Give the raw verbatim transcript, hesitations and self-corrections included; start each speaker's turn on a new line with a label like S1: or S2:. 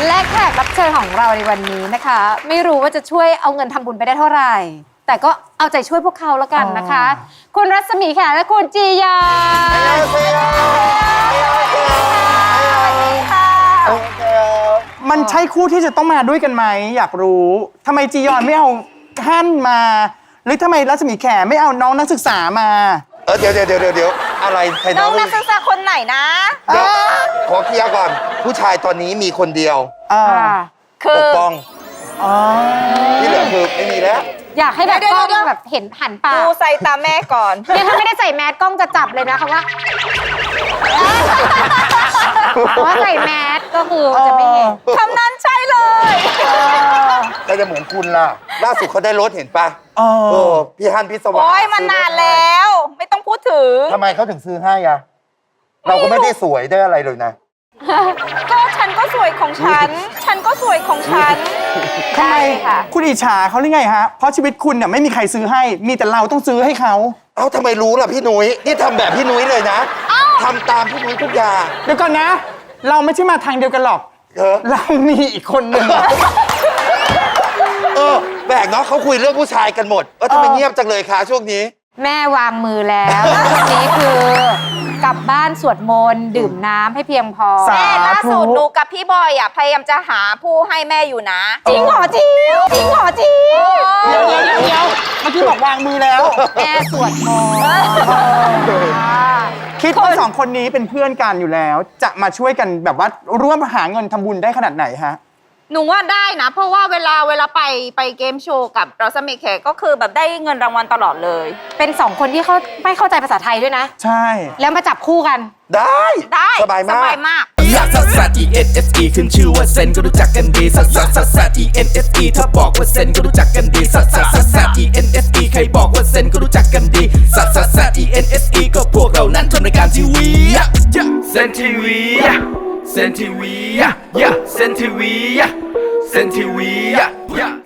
S1: และแขกรับเชิญของเราในวันนี้นะคะ ไม่รู้ว่าจะช่วยเอาเงินทำบุญไปได้เท่าไหร่ แต่ก็เอาใจช่วยพวกเขาแล้วกันนะคะ คุณรัศมีแขและคุณจียา
S2: มันใช่คู่ที่จะต้องมาด้วยกันไหมอยากรู้ทำไมจียอนไม่เอาฮั่นมา หรือทำไมรัศมีแขไม่เอาน้องนักศึกษามา
S3: เออเดี๋ยวเดี๋ยวเดี๋ยวเดี๋ยวอะไรใคร
S4: น้องนักศึกษาคนไหนนะ
S3: เดี๋ยวขอเคลียร์ก่อน ผู้ชายตอนนี้มีคนเดียว
S2: อ่า
S4: คื
S3: ป
S4: อก
S3: ป้องที่เหลือคือไม่มีแล้ว
S1: อยากให้แบบกล้องแบบเห็นหันปาก
S4: ดูใส่ตาแม่ก่อน
S1: เนี่ยถ้าไม่ได้ใส่แมสกล้องจะจับเลยนะคำว่าเพราะว่าใส่แมสก็คือจะไม่เห็น
S4: คำนั้นใช่เลย
S3: ก็จะเหมือนคุณล่ะ ล่าสุดเขาได้รถเห็นปะ
S2: เออ
S3: โอ้พี่ฮันพี่สว่าง
S4: โอ้ยมันนานแล้ว ไม่ต้องพูดถึง
S3: ทำไมเขาถึงซื้อให้อะเราก็ไม่ได้สวยได้อะไรเลยนะ
S4: ก็ฉันก็สวยของฉัน ฉันก็สวยของฉัน
S2: ทำไม
S4: ค่ะ
S2: คุณอิจฉาเขาหรือไงฮะเพราะชีวิตคุณเนี่ยไม่มีใครซื้อให้ มีแต่เราต้องซื้อให้เขา
S3: เอ้าทำไมรู้ล่ะพี่นุ้ยนี่ทำแบบพี่นุ้ยเลยนะทำตามพี่นุ้ยทุกอย่าง
S2: เดี๋ยวก่อนนะ เราไม่ใช่มาทางเดียวกันหรอก
S3: เออ
S2: เรามีอีกคนหนึ่ง
S3: เออแปลกเนาะเขาคุยเรื่องผู้ชายกันหมดเออทำไมเงียบจังเลยคะช่วงนี้
S1: แม่วางมือแล้ววันนี้คือกลับบ้านสวดมนต์ดื่มน้ำให้เพียงพอ
S2: สา
S4: แม่ล่าสุดหนูกับพี่บอยอ่ะพยายามจะหาผู้ให้แม่อยู่นะ
S1: จริงเหรอจิ๋วจริงเหรอจิ๋ว
S2: เดี๋ยวเดี๋ยวเดี๋ยวเดี๋ยวเมื่อกี้บอกวางมือแล้ว
S1: แม่สวดมนต์อ่า
S2: คิดว่าสองคนนี้เป็นเพื่อนกันอยู่แล้ว จะมาช่วยกันแบบว่าร่วมหาเงินทำบุญได้ขนาดไหนฮะ
S4: หนูว่าได้นะ เพราะว่าเวลาเวลาไปไปเกมโชว์กับรัศมีแขกก็คือแบบได้เงินรางวัลตลอดเลย
S1: เป็นสองคนที่เขาไม่เข้าใจภาษาไทยด้วยนะ
S2: ใช่
S1: แล้วมาจับคู่กัน
S3: ได้
S4: ได้
S3: สบายมาก
S4: สบายมาก
S5: ลักซัสซัส E N S E ขึ้นชื่อว่าเซนก็รู้จักกันดีซัสซัสซัสซัส E N S E ถ้าบอกว่าเซนก็รู้จักกันดีซัสซัสซัสซัส E N S E ใครบอกว่าเซนก็รู้จักกันดีซัสซัสซัส E N S E ก็พวกเรานั้นทำรายการทีวีเซนทีวีเซนทีวีเซนทีวีเซนทีวี